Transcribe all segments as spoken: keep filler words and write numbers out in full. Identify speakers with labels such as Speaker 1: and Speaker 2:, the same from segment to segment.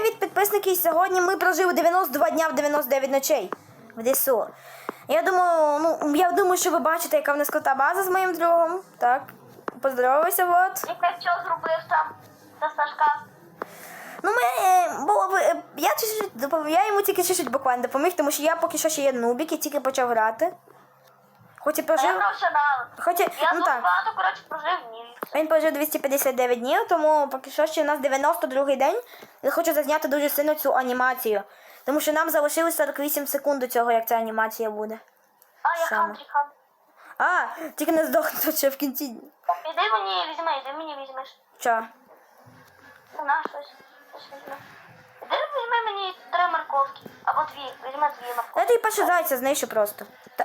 Speaker 1: привіт, підписники! Сьогодні ми прожили дев'яносто два дня в дев'яносто дев'ять ночей в ДСУ. Я думаю, ну, я думаю, що ви бачите, яка в нас крута база з моїм другом. Так, поздоровайся, вот.
Speaker 2: І ти що зробив там за Сашка?
Speaker 1: Ну, ми, е, було, е, я, чуть-чуть допом- я йому тільки чуть-чуть буквально допоміг, тому що я поки що ще є нубік і тільки почав грати. Хоч і
Speaker 2: А я
Speaker 1: прожив...
Speaker 2: професіонал.
Speaker 1: Хоч і,
Speaker 2: Я
Speaker 1: ну
Speaker 2: тут
Speaker 1: так,
Speaker 2: багато, коротше, прожив ні.
Speaker 1: він прожив двісті п'ятдесят дев'ять днів, тому поки що ще у нас дев'яносто другий день. Я хочу зазняти дуже сильно цю анімацію. Тому що нам залишилось сорок вісім секунд до цього, як ця анімація буде.
Speaker 2: А, я
Speaker 1: Саме.
Speaker 2: хантрі хан.
Speaker 1: А, тільки не здохнути ще в кінці.
Speaker 2: Іди мені візьми, іди мені візьмеш.
Speaker 1: Чо?
Speaker 2: Ну, на щось. Щось візьми. Іди візьми мені три морковки. Або дві. Візьми дві морковки.
Speaker 1: Я тобі перше зайця знищу просто. Та...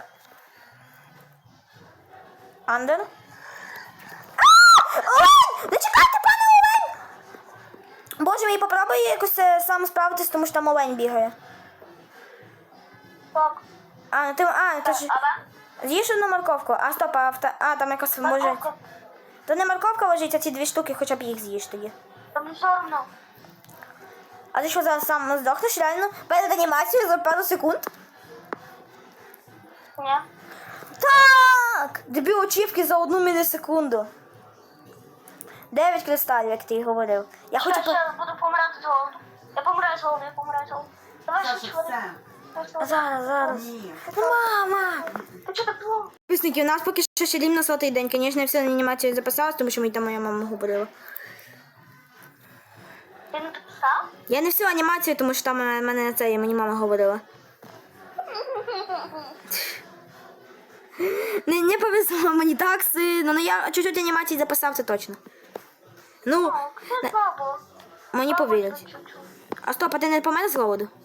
Speaker 1: Андер? А! Олень! Не чекайте, пане Олень! Боже мій, попробуй якось е, сам справитись, тому що там олень бігає.
Speaker 2: Так.
Speaker 1: А, ну ти, а, ти ж...
Speaker 2: Абе?
Speaker 1: З'їж одну морковку. А, стоп, а, авто... а там якось може...
Speaker 2: Морковка.
Speaker 1: То не морковка лежить, а ці дві штуки, хоча б їх з'їж тоді.
Speaker 2: Там все одно.
Speaker 1: А ти що, зараз сам здохнеш реально? Перед анімацією за пару секунд?
Speaker 2: Ні.
Speaker 1: Так! Дві очівки за одну мілісекунду. Дев'ять кристалів, як ти й говорив. Я
Speaker 2: Ще,
Speaker 1: хочу... по-
Speaker 2: ще буду помирати з голоду. Я помираю з голоду, я помираю з голоду. Давай ще чоловік.
Speaker 1: Зараз, зараз.
Speaker 3: Ні.
Speaker 1: Ну, мама!
Speaker 2: Ти чого так було?
Speaker 1: Підписники, у нас поки що ще рівно сотий день. Звісно, я все на анімацію записалась, тому що мені там моя мама говорила.
Speaker 2: Ти не підписав?
Speaker 1: Я не всю анімацію, тому що там е, мене на це мені мама говорила. Не, не повезло мені так сильно. Ну я чуть-чуть анімації записав, це точно. Ну,
Speaker 2: Так,
Speaker 1: не-
Speaker 2: це слабо.
Speaker 1: мені
Speaker 2: Слабо
Speaker 1: повірять.
Speaker 2: чуть-чуть.
Speaker 1: А стоп, а ти не помер з голоду?